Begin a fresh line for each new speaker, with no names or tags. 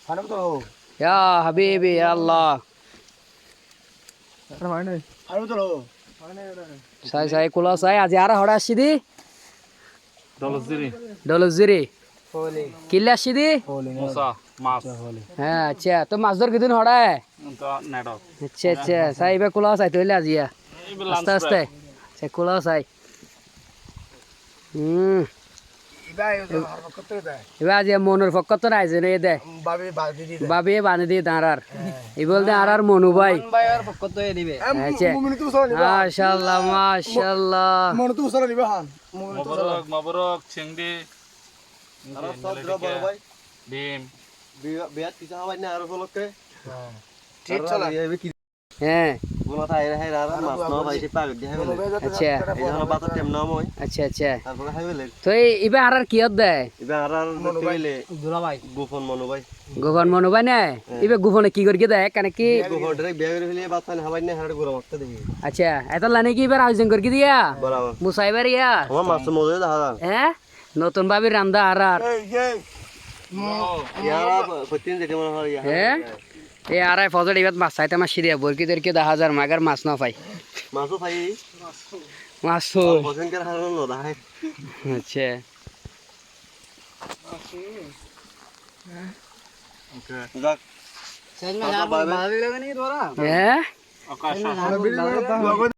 या हबीबी या अल्लाह साई साई कुला साई आज यार हड़ा आशिदी डलजिरी किल्ले आशिदी
मुसा मास
हाँ अच्छा तो माছ धर किदिन हड़ा है
नेटवर्क
अच्छा अच्छा साई बे कुला साई तो ले आज या आस्ते आस्ते से कुला साई এবার যে মনুর পক্ষ তো রাইছে রে দে বাবে বাঁধে দিয়ে দাঁড়ার এই বলতে আর মনু ভাই আচ্ছা মাশাআল্লাহ মাশাআল্লাহ
মবরক মবরক চিংড়ি ডিম
বিয়াত কিছু হবাই না আর ফলকে
ঠিক চলা হ্যাঁ আচ্ছা আচ্ছা আচ্ছা তো এবার আর কি দে গোপন মনু ভাই না এবার গোপনে কি করি দেয় কেন কি আচ্ছা এত লানে কি এবার আয়োজন করি দিয়া মুসাইবার ইয়া হ্যাঁ নতুন ভাবি রান্দা আর হ্যাঁ এই আড়াই ফজর এবার মাছ চাইতে আমার সিরিয়া বরকি দেরকে 10,000 মাগার মাছ না পাই
মাছও পাই
মাছ তো
পছন্দের হারন নদাই
আচ্ছা
ওকে
যাক
হ্যাঁ
আকাশ